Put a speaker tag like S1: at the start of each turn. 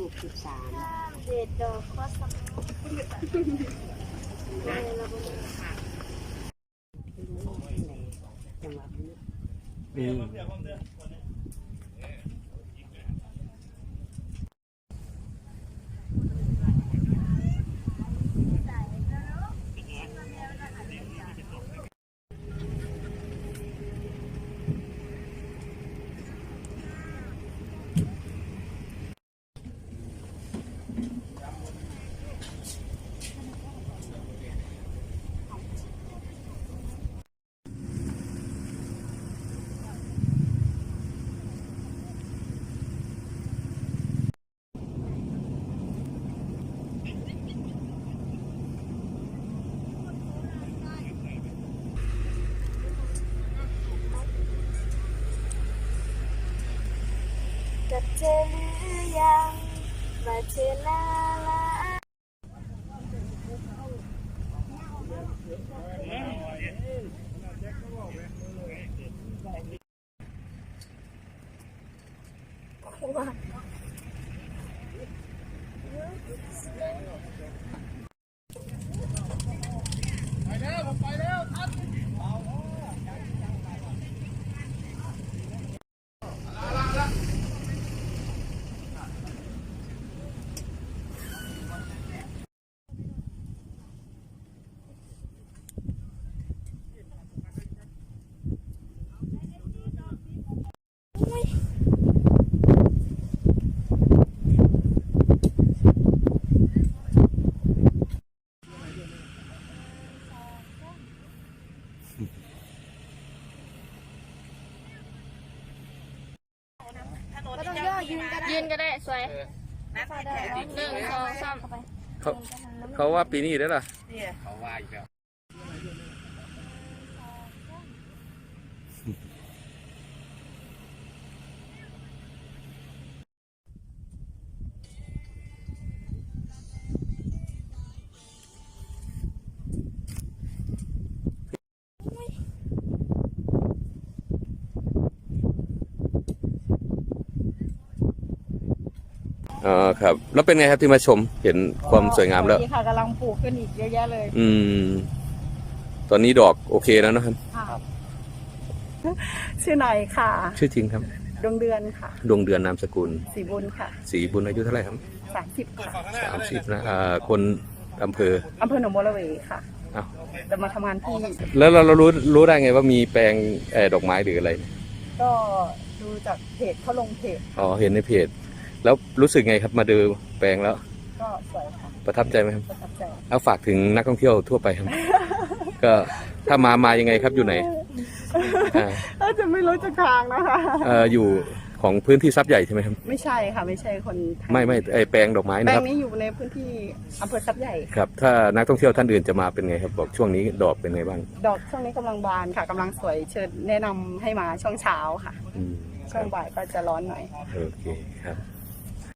S1: 63เด็ดดอกก็สำคัญเราไม่จังหวะนี้จะเจอหรือยังมาเจอหน้าละไปแล้วทันยืนก็ได้สวย1 2 3
S2: เขาว่าปีนี้ได้หรอเขาว่าอีกแล้วอ๋อครับแล้วเป็นไงครับที่มาชมเห็นความสวยงามแล้ว
S1: ค่ะกำลังปลูกขึ้นอีกเยอะแยะเลย
S2: ตอนนี้ดอกโอเคแล้วนะครับ
S1: ชื่อหน่อยค่ะ
S2: ชื่อจริงครับ
S1: ดวงเดือนค่ะ
S2: ดวงเดือนนามสกุล
S1: ศรีบุญค่ะ
S2: ศรีบุญอายุเท่าไหร่ครับ
S1: 30ค่ะ
S2: 30นะคนอำเภอ
S1: หนองบัวระเวค่ะจะมาทำงานที่
S2: แล้วเรารู้ได้ไงว่ามีแปลงดอกไม้หรืออะไร
S1: ก็ดูจากเพจเขาลงเพจ
S2: อ๋อเห็นในเพจแล้วรู้สึกไงครับมาดูแปลงแล้ว
S1: ก็สวยค่ะ
S2: ประทับใจไหมครับ
S1: ประทับใจ
S2: เอาฝากถึงนักท่องเที่ยวทั่วไปครับก็ถ้ามายังไงครับอยู่ไหน
S1: จะไม่รู้จักทางนะคะ
S2: อยู่ของพื้นที่ทรัพย์ใหญ่ใช่ไหมครับ
S1: ไม่ใช่ค่ะไม่ใช่คน
S2: ไม่ไอแปลงดอกไม้นะครับ
S1: แปลงนี้อยู่ในพื้นที่อำเภอทรัพย์ใหญ่
S2: ครับถ้านักท่องเที่ยวท่านอื่นจะมาเป็นไงครับบอกช่วงนี้ดอกเป็นไงบ้าง
S1: ดอกช่วงนี้กำลังบานค่ะกำลังสวยเชิญแนะนำให้มาช่วงเช้าค่ะช่วงบ่ายก็จะร้อนหน่อย
S2: โอเคครับ